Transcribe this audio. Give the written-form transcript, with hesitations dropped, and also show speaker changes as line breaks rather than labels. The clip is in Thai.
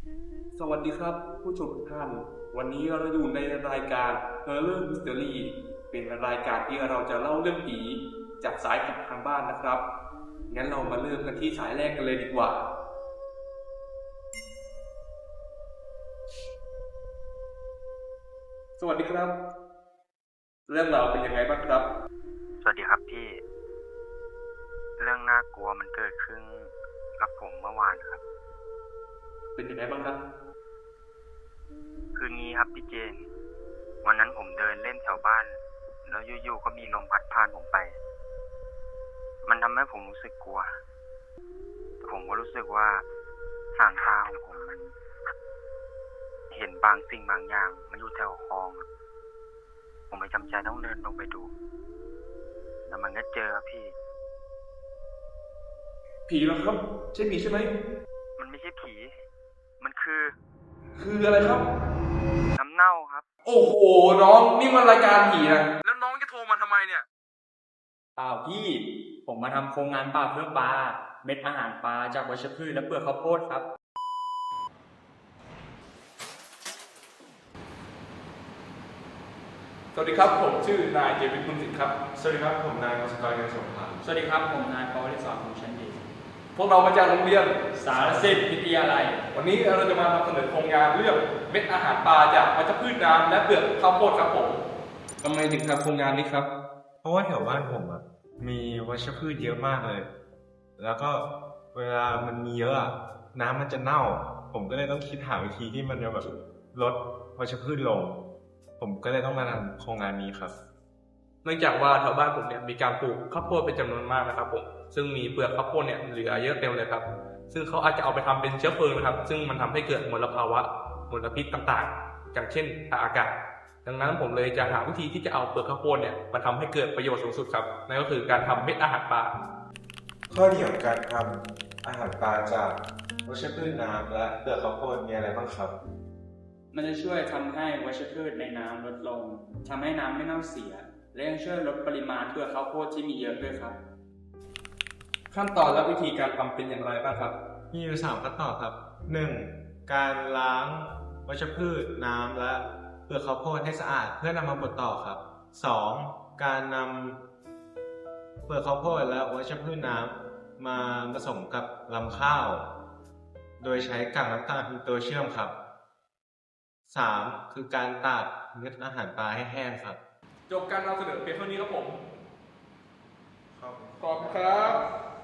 สวัสดีครับผู้ชมทุกท่านวันนี้เราอยู่ในรายการ Horror Mystery เป็นรายการที่เราจะเล่าเรื่องผีจากสายจากทางบ้านนะครับงั้นเรามาเริ่มกันที่สายแรกกันเลยดีกว่าสวัสดีครับเรื่องราวเป็นยังไงบ้างครับ
สวัสดีครับพี่ เรื่องน่ากลัวมันเกิดขึ้นกับผมเมื่อวานครับ
เป็นยังไงบ้างครับ
คืนนี้ครับพี่เจน วันนั้นผมเดินเล่นแถวบ้าน แล้วอยู่ๆก็มีลมพัดผ่านผมไป มันทำให้ผมรู้สึกกลัวแต่ผมก็รู้สึกว่าหางตาของผมมัน เห็นบางสิ่งบางอย่างมันอยู่แถวคลองครับผมเลยจำใจต้องเดินลงไปดูแล้วมันก็เจอครับพี่
ผีเหรอครับใช่ผีใช่ไหม
มันไม่ใช่ผี มันคือ
อะไรครับ
น้ำเน่าครับ
โอ้โหน้องนี่มันรายการผีนะแล้วน้องจะโทรมาทำไมเนี่ย
เปล่าพี่ผมมาทำโครงงานปลาเพื่อปลาเม็ดอาหารปลาจากวัชพืชและเปลือกข้าวโพดครับ
สวัสดีครับผมชื่อนายเจวินบุญสิทธิ์ครับ
สวัสดีครับผมนายกฤษกรเงินสงคราม
สวัสดีครับผมนายปวริศรภูมิชั้นดี
พวกเรามาจากโรงเรียน
สารสิทธิ์วิทยาลัย
วันนี้เราจะมานำเสนอโครงงานเรื่องเม็ดอาหารปลาจากวัชพืชน้ำและเปลือกข้าวโพดครับผมทำไมถึงทำโครงงานนี้ครับ
เพราะว่าแถวบ้านผมมีวัชพืชเยอะมากเลย แล้วก็เวลามันมีเยอะน้ำมันจะเน่า ผมก็เลยต้องคิดหาวิธีที่มันจะแบบลดวัชพืชลง ผมก็เลยต้องมาทำโครงงานนี้ครับ
เนื่องจากว่าแถวบ้านผมเนี่ยมีการปลูกข้าวโพดเป็นจำนวนมากนะครับผมซึ่งมีเปลือกข้าวโพดเนี่ยเหลือเยอะเต็มเลยครับซึ่งเขาอาจจะเอาไปทำเป็นเชื้อเพลิงนะครับซึ่งมันทำให้เกิดมลภาวะมลพิษต่างๆอย่างเช่นอากาศดังนั้นผมเลยจะหาวิธีที่จะเอาเปลือกข้าวโพดเนี่ยมาทำให้เกิดประโยชน์สูงสุดครับนั่นก็คือการทำเม็ดอาหารปลา
ข้อดีของการทำอาหารปลาจากวัชพืชน้ำและเปลือกข้าวโพดมีอะไรบ้างครับ
มันจะช่วยทำให้วัชพืชในน้ำลดลงทำให้น้ำไม่เน่าเสีย และยังช่วยลดปริมาณเปลือกข้าวโพดที่มีเยอะด้วยครับ
ขั้นตอนและวิธีการทำเป็นอย่างไรบ้างครับ
มีอยู่3ขั้นตอนครับ 1. การล้างวัชพืชน้ำและเปลือกข้าวโพดให้สะอาดเพื่อนำมาบดต่อครับ 2. การนำเปลือกข้าวโพดและวัชพืชน้ำมาผสมกับลำข้าว โดยใช้กากน้ำตาลเป็นตัวเชื่อมครับ 3. คือการตากเม็ดอาหารปลาให้แห้งครับ
จบการนำเสนอเพียงเท่านี้ครับผม
ครับ
ขอบคุณครับ